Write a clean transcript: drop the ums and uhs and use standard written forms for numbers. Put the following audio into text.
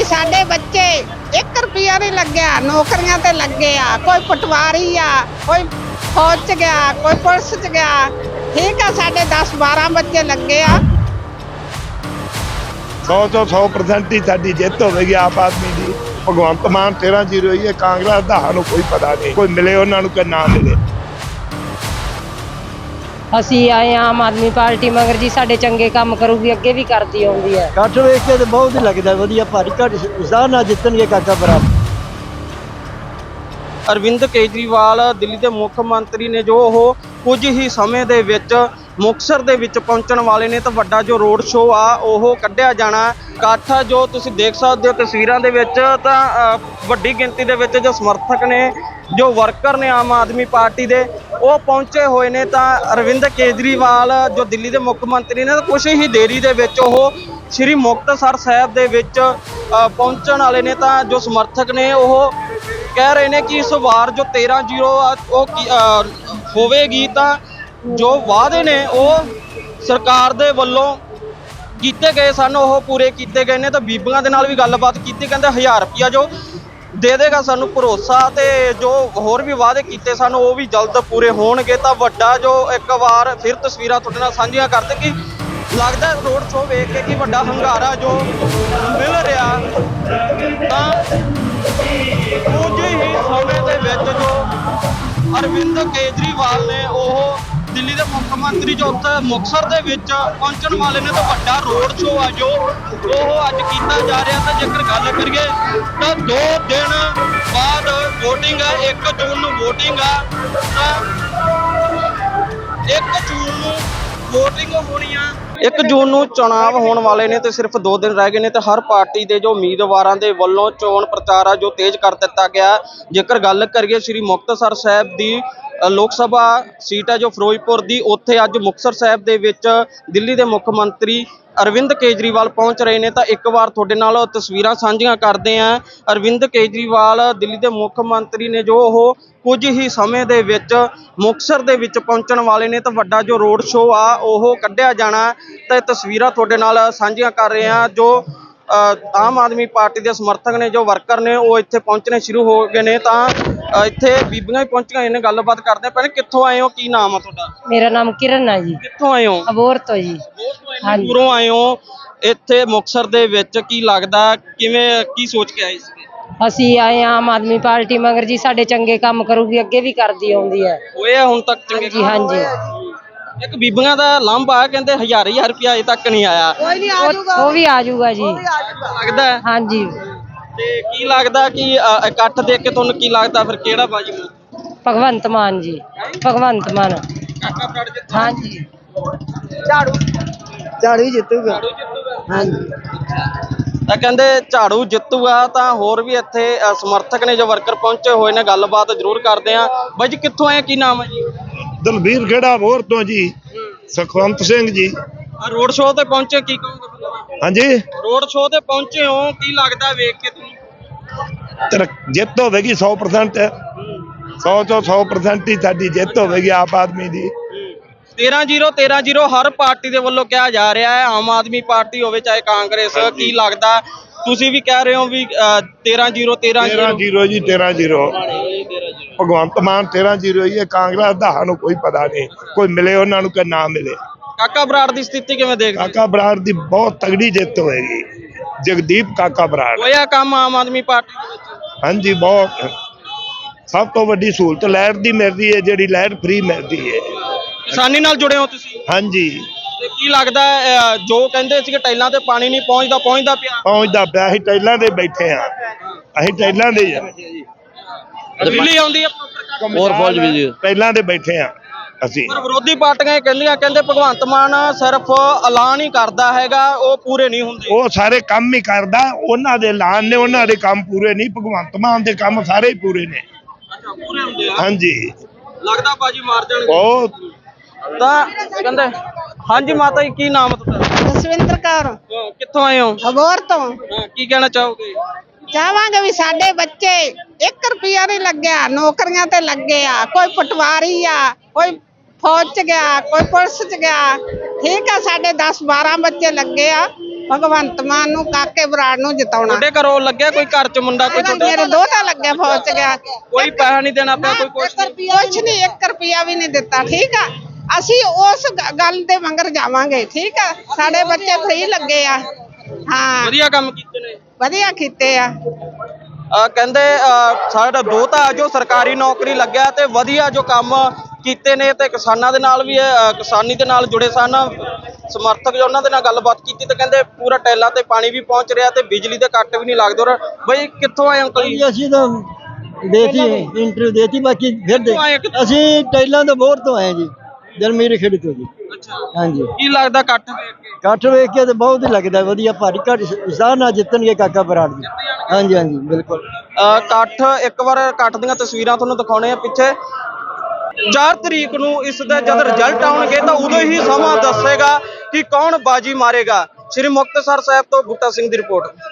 ਵੀ ਸਾਡੇ ਬੱਚੇ 1 ਰੁਪਿਆ ਨਹੀਂ ਲੱਗਿਆ, ਨੌਕਰੀਆਂ ਤੇ ਲੱਗੇ ਆ। ਕੋਈ ਪਟਵਾਰੀ ਆ, ਕੋਈ ਫੌਜ ਚ ਗਿਆ, ਕੋਈ ਪੁਲਿਸ ਚ ਗਿਆ। ਠੀਕ ਆ, ਸਾਡੇ 10-12 ਬੱਚੇ ਲੱਗੇ ਆ। 100 ਤੋਂ 100% ਹੀ ਸਾਡੀ ਜਿੱਤ ਹੋਵੇਗੀ ਆਪ ਆਦਮੀ ਦੀ। ਭਗਵੰਤ ਮਾਨ 13-0 ਹੀ ਹੈ। ਕਾਂਗਰਸ ਦਾ ਸਾਨੂੰ ਕੋਈ ਪਤਾ ਨਹੀਂ, ਕੋਈ ਮਿਲੇ ਉਹਨਾਂ ਨੂੰ ਕਿ ਨਾ ਮਿਲੇ। ਅਸੀਂ ਆਏ ਆਮ ਆਦਮੀ ਪਾਰਟੀ ਮਗਰ ਜੀ, ਸਾਡੇ ਚੰਗੇ ਕੰਮ ਕਰੂਗੀ, ਅੱਗੇ ਵੀ ਕਰਦੀ ਆਉਂਦੀ ਹੈ। ਕੱਠ ਵੇਖ ਕੇ ਤੇ ਬਹੁਤ ਹੀ ਲੱਗਦਾ ਵਧੀਆ, ਭਾਰੀ ਘੱਟ ਉਸਾਹ ਨਾਲ ਜਿੱਤਣਗੇ ਕਾਕਾ ਬਰਾਬਰ। ਅਰਵਿੰਦ ਕੇਜਰੀਵਾਲ ਦਿੱਲੀ ਦੇ ਮੁੱਖ ਮੰਤਰੀ ਨੇ, ਜੋ ਉਹ ਕੁਝ ਹੀ ਸਮੇਂ ਦੇ ਵਿੱਚ ਮੁਕਤਸਰ ਦੇ ਵਿੱਚ ਪਹੁੰਚਣ ਵਾਲੇ ਨੇ। ਤਾਂ ਵੱਡਾ ਜੋ ਰੋਡ ਸ਼ੋਅ ਆ ਉਹ ਕੱਢਿਆ ਜਾਣਾ। ਇਕੱਠ ਜੋ ਤੁਸੀਂ ਦੇਖ ਸਕਦੇ ਹੋ ਤਸਵੀਰਾਂ ਦੇ ਵਿੱਚ, ਤਾਂ ਵੱਡੀ ਗਿਣਤੀ ਦੇ ਵਿੱਚ ਜੋ ਸਮਰਥਕ ਨੇ, ਜੋ ਵਰਕਰ ਨੇ ਆਮ ਆਦਮੀ ਪਾਰਟੀ ਦੇ, ਉਹ ਪਹੁੰਚੇ ਹੋਏ ਨੇ। ਤਾਂ ਅਰਵਿੰਦ ਕੇਜਰੀਵਾਲ ਜੋ ਦਿੱਲੀ ਦੇ ਮੁੱਖ ਮੰਤਰੀ ਨੇ, ਤਾਂ ਕੁਛ ਹੀ ਦੇਰੀ ਦੇ ਵਿੱਚ ਉਹ ਸ਼੍ਰੀ ਮੁਕਤਸਰ ਸਾਹਿਬ ਦੇ ਵਿੱਚ ਪਹੁੰਚਣ ਵਾਲੇ ਨੇ। ਤਾਂ ਜੋ ਸਮਰਥਕ ਨੇ ਉਹ ਕਹਿ ਰਹੇ ਨੇ ਕਿ ਇਸ ਵਾਰ ਜੋ 13-0 ਉਹ ਹੋਵੇਗੀ। ਤਾਂ ਜੋ ਵਾਅਦੇ ਨੇ ਉਹ ਸਰਕਾਰ ਦੇ ਵੱਲੋਂ ਕੀਤੇ ਗਏ ਸਨ ਉਹ ਪੂਰੇ ਕੀਤੇ ਗਏ ਨੇ। ਤਾਂ ਬੀਬੀਆਂ ਦੇ ਨਾਲ ਵੀ ਗੱਲਬਾਤ ਕੀਤੀ, ਕਹਿੰਦੇ 1000 ਰੁਪਇਆ ਜੋ ਦੇ ਦੇਗਾ ਸਾਨੂੰ ਭਰੋਸਾ, ਤੇ ਜੋ ਹੋਰ ਵੀ ਵਾਅਦੇ ਕੀਤੇ ਸਨ ਉਹ ਵੀ ਜਲਦ ਪੂਰੇ ਹੋਣਗੇ। ਤਾਂ ਵੱਡਾ ਜੋ ਇੱਕ ਵਾਰ ਫਿਰ ਤਸਵੀਰਾਂ ਤੁਹਾਡੇ ਨਾਲ ਸਾਂਝੀਆਂ ਕਰਦੇ ਕਿ ਲੱਗਦਾ ਰੋਡ ਸ਼ੋਅ ਵੇਖ ਕੇ ਕਿ ਵੱਡਾ ਹੰਗਾਰਾ ਜੋ ਮਿਲ ਰਿਹਾ। ਤਾਂ ਕੁਝ ਹੀ ਸਮੇਂ ਦੇ ਵਿੱਚ ਜੋ ਅਰਵਿੰਦ ਕੇਜਰੀਵਾਲ ਨੇ, ਉਹ ਦਿੱਲੀ ਦੇ ਮੁੱਖ ਮੰਤਰੀ ਜੋ ਉੱਥੇ ਮੁਕਤਸਰ ਦੇ ਵਿੱਚ ਪਹੁੰਚਣ ਵਾਲੇ ਨੇ। ਤਾਂ ਵੱਡਾ ਰੋਡ ਸ਼ੋਅ ਆ ਜੋ ਉਹ ਅੱਜ ਕੀਤਾ ਜਾ ਰਿਹਾ। ਤਾਂ ਜੇਕਰ ਗੱਲ ਕਰੀਏ ਤਾਂ 2 ਦਿਨ ਬਾਅਦ VOTING ਹੈ, 1 ਜੂਨ ਨੂੰ VOTING ਆ। ਤਾਂ 1 ਜੂਨ ਨੂੰ VOTING ਹੋਣੀ ਆ। 1 ਜੂਨ ਨੂੰ ਚੋਣਾਂ ਹੋਣ ਵਾਲੇ ਨੇ ਤੇ ਸਿਰਫ 2 ਦਿਨ ਰਹਿ ਗਏ ਨੇ। ਤੇ ਹਰ ਪਾਰਟੀ ਦੇ ਜੋ ਉਮੀਦਵਾਰਾਂ ਦੇ ਵੱਲੋਂ ਚੋਣ ਪ੍ਰਚਾਰ ਆ ਜੋ ਤੇਜ਼ ਕਰ ਦਿੱਤਾ ਗਿਆ। ਜੇਕਰ ਗੱਲ ਕਰੀਏ ਸ੍ਰੀ ਮੁਕਤਸਰ ਸਾਹਿਬ ਦੀ ਲੋਕ ਸਭਾ ਸੀਟ ਹੈ ਜੋ ਫਿਰੋਜ਼ਪੁਰ ਦੀ, ਉੱਥੇ ਅੱਜ ਮੁਕਤਸਰ ਸਾਹਿਬ ਦੇ ਵਿੱਚ ਦਿੱਲੀ ਦੇ ਮੁੱਖ ਮੰਤਰੀ ਅਰਵਿੰਦ ਕੇਜਰੀਵਾਲ ਪਹੁੰਚ ਰਹੇ ਨੇ। ਤਾਂ ਇੱਕ ਵਾਰ ਤੁਹਾਡੇ ਨਾਲ ਤਸਵੀਰਾਂ ਸਾਂਝੀਆਂ ਕਰਦੇ ਹਾਂ। ਅਰਵਿੰਦ ਕੇਜਰੀਵਾਲ ਦਿੱਲੀ ਦੇ ਮੁੱਖ ਮੰਤਰੀ ਨੇ, ਜੋ ਉਹ ਕੁਝ ਹੀ ਸਮੇਂ ਦੇ ਵਿੱਚ ਮੁਕਤਸਰ ਦੇ ਵਿੱਚ ਪਹੁੰਚਣ ਵਾਲੇ ਨੇ। ਤਾਂ ਵੱਡਾ ਜੋ ਰੋਡ ਸ਼ੋਅ ਆ ਉਹ ਕੱਢਿਆ ਜਾਣਾ। ਤਾਂ ਤਸਵੀਰਾਂ ਤੁਹਾਡੇ ਨਾਲ ਸਾਂਝੀਆਂ ਕਰ ਰਹੇ ਹਾਂ। ਜੋ ਆਮ ਆਦਮੀ ਪਾਰਟੀ ਦੇ ਸਮਰਥਕ ਨੇ, ਜੋ ਵਰਕਰ ਨੇ, ਉਹ ਇੱਥੇ ਪਹੁੰਚਣੇ ਸ਼ੁਰੂ ਹੋ ਗਏ ਨੇ। ਤਾਂ ਇੱਥੇ ਬੀਬੀਆਂ ਵੀ ਪਹੁੰਚੀਆਂ ਨੇ, ਗੱਲਬਾਤ ਕਰਦੇ ਆ। ਪਹਿਲੇ ਕਿੱਥੋਂ ਆਏ ਹੋ, ਕੀ ਨਾਮ ਆ ਤੁਹਾਡਾ? ਮੇਰਾ ਨਾਮ ਕਿਰਨ ਹੈ ਜੀ। ਕਿੱਥੋਂ ਆਏ ਹੋ? ਅਬੋਹਰ ਤੋਂ ਜੀ। ਹਾਂਜੀ, ਦੂਰੋਂ ਆਏ ਹੋ ਇੱਥੇ ਮੁਕਤਸਰ ਦੇ ਵਿੱਚ। ਕੀ ਲੱਗਦਾ, ਕਿਵੇਂ, ਕੀ ਸੋਚ ਕੇ ਆਏ ਸੀ? ਅਸੀਂ ਆਏ ਆਮ ਆਦਮੀ ਪਾਰਟੀ ਮਗਰ ਜੀ, ਸਾਡੇ ਚੰਗੇ ਕੰਮ ਕਰੂਗੀ, ਅੱਗੇ ਵੀ ਕਰਦੀ ਆਉਂਦੀ ਹੈ। ਹੋਇਆ ਹੁਣ ਤੱਕ ਚੰਗੇ ਜੀ ਹਾਂਜੀ। ਇੱਕ ਬੀਬੀਆਂ ਦਾ ਲਾਂਭਾ, ਕਹਿੰਦੇ 1000 ਰੁਪਇਆ ਅਜੇ ਤੱਕ ਨਹੀਂ ਆਇਆ। ਉਹ ਵੀ ਆ ਜਾਊਗਾ ਜੀ, ਲੱਗਦਾ ਹੈ? ਹਾਂਜੀ। ਤੇ ਕੀ ਲੱਗਦਾ ਕਿ ਇਕੱਠ ਦੇਖ ਕੇ ਤੁਹਾਨੂੰ ਕੀ ਲੱਗਦਾ ਫਿਰ ਕਿਹੜਾ ਬਾਜੀ ਮਾਰੂ? ਭਗਵੰਤ ਮਾਨ ਜੀ, ਭਗਵੰਤ ਮਾਨ। ਕਾਕਾ ਬਰਾੜ ਜਿੱਤੂ? ਹਾਂਜੀ। ਝਾੜੂ ਹੀ ਜਿੱਤੂਗਾ। ਹਾਂਜੀ। ਤਾਂ ਕਹਿੰਦੇ ਝਾੜੂ ਜਿੱਤੂਗਾ। ਤਾਂ ਹੋਰ ਵੀ ਇੱਥੇ ਸਮਰਥਕ ਨੇ, ਜੋ ਵਰਕਰ ਪਹੁੰਚੇ ਹੋਏ ਨੇ, ਗੱਲਬਾਤ ਜ਼ਰੂਰ ਕਰਦੇ ਆ। ਬਾਈ ਜੀ ਕਿੱਥੋਂ ਆਏ, ਕੀ ਨਾਮ ਹੈ ਜੀ? ਦਲਬੀਰ ਖੇੜਾ ਅਬੋਹਰ ਤੋਂ ਜੀ। ਸੁਖਵੰਤ ਸਿੰਘ ਜੀ। ਰੋਡ ਸ਼ੋਅ ਤੇ ਪਹੁੰਚੇ, ਕੀ ਕਹੋਗੇ? ਹਾਂਜੀ, ਰੋਡ ਸ਼ੋਅ ਤੇ ਪਹੁੰਚੇ ਹੋ, ਕੀ ਲੱਗਦਾ ਵੇਖ ਕੇ ਤੁਹਾਨੂੰ? ਜਿੱਤ ਹੋਵੇਗੀ 100%। 100 ਤੋਂ 100% ਹੀ ਸਾਡੀ ਜਿੱਤ ਹੋਵੇਗੀ ਆਪ ਆਦਮੀ ਦੀ। 13-0 ਹਰ ਪਾਰਟੀ ਦੇ ਵੱਲੋਂ ਕਿਹਾ ਜਾ ਰਿਹਾ ਹੈ, ਆਮ ਆਦਮੀ ਪਾਰਟੀ ਹੋਵੇ ਚਾਹੇ ਕਾਂਗਰਸ। ਕੀ ਲੱਗਦਾ, ਤੁਸੀਂ ਵੀ ਕਹਿ ਰਹੇ ਹੋ ਵੀ 13-0 ਜੀ। 13-0 ਭਗਵੰਤ ਮਾਨ 13-0 ਹੀ ਹੈ। ਕਾਂਗਰਸ ਦਾ ਸਾਨੂੰ ਕੋਈ ਪਤਾ ਨਹੀਂ, ਕੋਈ ਮਿਲੇ ਉਹਨਾਂ ਨੂੰ ਕਿ ਨਾ ਮਿਲੇ। ਕਾਕਾ ਬਰਾੜ ਦੀ ਸਥਿਤੀ ਕਿਵੇਂ ਦੇਖਦੇ? ਕਾਕਾ ਬਰਾੜ ਦੀ ਬਹੁਤ ਤਗੜੀ ਜਿੱਤ ਹੋਏਗੀ। ਜਗਦੀਪ ਕਾਕਾ ਬਰਾੜ। ਹੋਇਆ ਕੰਮ ਆਮ ਆਦਮੀ ਪਾਰਟੀ ਦੇ ਵਿੱਚ? ਹਾਂਜੀ, ਬਹੁਤ। ਸਭ ਤੋਂ ਵੱਡੀ ਸਹੂਲਤ ਲਾਈਟ ਦੀ ਮਿਲਦੀ ਹੈ, ਜਿਹੜੀ ਲਾਈਟ ਫ੍ਰੀ ਮਿਲਦੀ ਹੈ। ਕਿਸਾਨੀ ਨਾਲ ਜੁੜੇ ਹੋ ਤੁਸੀਂ? ਹਾਂਜੀ। ਤੇ ਕੀ ਲੱਗਦਾ, ਜੋ ਕਹਿੰਦੇ ਸੀ ਕਿ ਟਾਈਲਾਂ ਤੇ ਪਾਣੀ ਨਹੀਂ ਪਹੁੰਚਦਾ ਪਹੁੰਚਦਾ ਪਿਆ। ਅਸੀਂ ਟਾਈਲਾਂ ਦੇ ਬੈਠੇ ਆ, ਅਸੀਂ ਟਾਈਲਾਂ ਦੇ ਆ। ਬਿਜਲੀ ਆਉਂਦੀ ਹੈ ਹੋਰ ਫੌਜ ਵੀ ਜੀ, ਟਾਈਲਾਂ ਦੇ ਬੈਠੇ ਆ ਅਸੀਂ। ਪਰ ਵਿਰੋਧੀ ਪਾਰਟੀਆਂ ਕਹਿੰਦੇ ਭਗਵੰਤ ਮਾਨ ਸਿਰਫ ਐਲਾਨ ਹੀ ਕਰਦਾ ਹੈਗਾ, ਉਹ ਪੂਰੇ ਨਹੀਂ ਹੁੰਦੇ। ਉਹ ਸਾਰੇ ਕੰਮ ਹੀ ਕਰਦਾ, ਉਹਨਾਂ ਦੇ ਐਲਾਨ ਨੇ, ਉਹਨਾਂ ਦੇ ਕੰਮ ਪੂਰੇ ਨਹੀਂ। ਭਗਵੰਤ ਮਾਨ ਦੇ ਕੰਮ ਸਾਰੇ ਹੀ ਪੂਰੇ ਨੇ। ਅੱਛਾ, ਪੂਰੇ ਹੁੰਦੇ ਆ? ਹਾਂਜੀ। ਲੱਗਦਾ ਬਾਜੀ ਮਾਰ ਜਾਣਗੇ ਬਹੁਤ। ਤਾਂ ਕਹਿੰਦੇ। ਹਾਂਜੀ ਮਾਤਾ ਜੀ, ਕੀ ਨਾਮ ਹੈ ਤੁਹਾਡਾ? ਜਸਵਿੰਦਰ ਕੌਰ। ਕਿੱਥੋਂ ਆਏ ਹੋ? ਅਬੋਹਰ ਤੋਂ। ਕੀ ਕਹਿਣਾ ਚਾਹੋਗੇ? ਚਾਹਾਂਗੇ ਵੀ ਸਾਡੇ ਬੱਚੇ 1 ਰੁਪਿਆ ਨਹੀਂ ਲੱਗਿਆ, ਨੌਕਰੀਆਂ ਤੇ ਲੱਗੇ ਆ। ਕੋਈ ਪਟਵਾਰੀ ਆ, ਕੋਈ ਫੌਜ ਚ ਗਿਆ, ਕੋਈ ਪੁਲਿਸ ਚ ਗਿਆ। ਠੀਕ ਆ, ਸਾਡੇ 10-12 ਬੱਚੇ ਲੱਗੇ ਆ। ਭਗਵੰਤ ਮਾਨ ਨੂੰ, ਕਾਕੇ ਬਰਾੜ ਨੂੰ ਜਿਤਾਉਣਾ। ਤੁਹਾਡੇ ਘਰੋਂ ਲੱਗਿਆ ਕੋਈ ਘਰ ਚ ਮੁੰਡਾ ਕੋਈ ਤੁਹਾਡੇ ਮੇਰੇ ਦੋਤਾ ਲੱਗਿਆ ਫੌਜ ਚ ਗਿਆ, ਕੋਈ ਪੈਸਾ ਨਹੀਂ ਦੇਣਾ ਪਿਆ ਕੋਈ ਕੁਛ ਨਹੀਂ? ਕੁਛ ਨਹੀਂ, 1 ਰੁਪਿਆ ਵੀ ਨਹੀਂ ਦਿੱਤਾ। ਠੀਕ ਆ, ਅਸੀਂ ਉਸ ਗੱਲ ਦੇ ਮੰਗਰ ਜਾਵਾਂਗੇ। ਠੀਕ ਆ, ਸਾਡੇ ਬੱਚੇ ਫ੍ਰੀ ਲੱਗੇ ਆ। ਹਾਂ, ਵਧੀਆ ਕੰਮ ਕੀਤੇ ਨੇ। ਵਧੀਆ ਕੀਤੇ ਆ। ਕਹਿੰਦੇ ਸਾਡਾ ਦੋਤਾ ਜੋ ਸਰਕਾਰੀ ਨੌਕਰੀ ਲੱਗਿਆ ਤੇ ਵਧੀਆ ਜੋ ਕੰਮ ਕੀਤੇ ਨੇ ਤੇ ਕਿਸਾਨਾਂ ਦੇ ਨਾਲ ਵੀ ਕਿਸਾਨੀ ਦੇ ਨਾਲ ਜੁੜੇ ਸਨ ਸਮਰਥਕ ਜੋ ਉਹਨਾਂ ਦੇ ਨਾਲ ਗੱਲਬਾਤ ਕੀਤੀ ਤੇ ਕਹਿੰਦੇ ਪੂਰਾ ਟੈਲਾਂ ਤੇ ਪਾਣੀ ਵੀ ਪਹੁੰਚ ਰਿਹਾ ਤੇ ਬਿਜਲੀ ਦੇ ਕੱਟ ਵੀ ਨਹੀਂ ਲੱਗਦੇ। ਔਰ ਬਈ ਕਿੱਥੋਂ ਆਏ ਅੰਕਲ ਜੀ? ਅਸੀਂ ਤਾਂ ਦੇਤੀ ਇੰਟਰਵਿਊ ਦੇਤੀ, ਬਾਕੀ ਫਿਰ ਦੇ ਅਸੀਂ ਟੈਲਾਂ ਤੋਂ ਬੋਰ ਤੋਂ ਆਏ ਜੀ, ਜਲਮੀਰ ਖੇੜੀ ਤੋਂ ਜੀ। ਹਾਂਜੀ, ਕੀ ਲੱਗਦਾ ਇਕੱਠ ਵੇਖ ਕੇ? ਇਕੱਠ ਵੇਖ ਕੇ ਤਾਂ ਬਹੁਤ ਹੀ ਲੱਗਦਾ ਵਧੀਆ, ਭਾਰੀ ਘੱਟ ਉਸਾਹ ਨਾਲ ਜਿੱਤਣਗੇ ਕਾਕਾ ਬਰਾੜ ਜੀ। ਹਾਂਜੀ ਹਾਂਜੀ ਬਿਲਕੁਲ। ਇਕੱਠ ਇੱਕ ਵਾਰ ਇਕੱਠ ਦੀਆਂ ਤਸਵੀਰਾਂ ਤੁਹਾਨੂੰ ਦਿਖਾਉਣੇ ਆ ਪਿੱਛੇ। 4 ਤਰੀਕ ਨੂੰ ਇਸ ਦੇ ਜਦ ਰਿਜ਼ਲਟ ਆਉਣਗੇ ਤਾਂ ਉਦੋਂ ਹੀ ਸਮਾਂ ਦੱਸੇਗਾ ਕਿ ਕੌਣ ਬਾਜੀ ਮਾਰੇਗਾ। ਸ਼੍ਰੀ ਮੁਕਤਸਰ ਸਾਹਿਬ ਤੋਂ ਬੂਟਾ ਸਿੰਘ ਦੀ ਰਿਪੋਰਟ।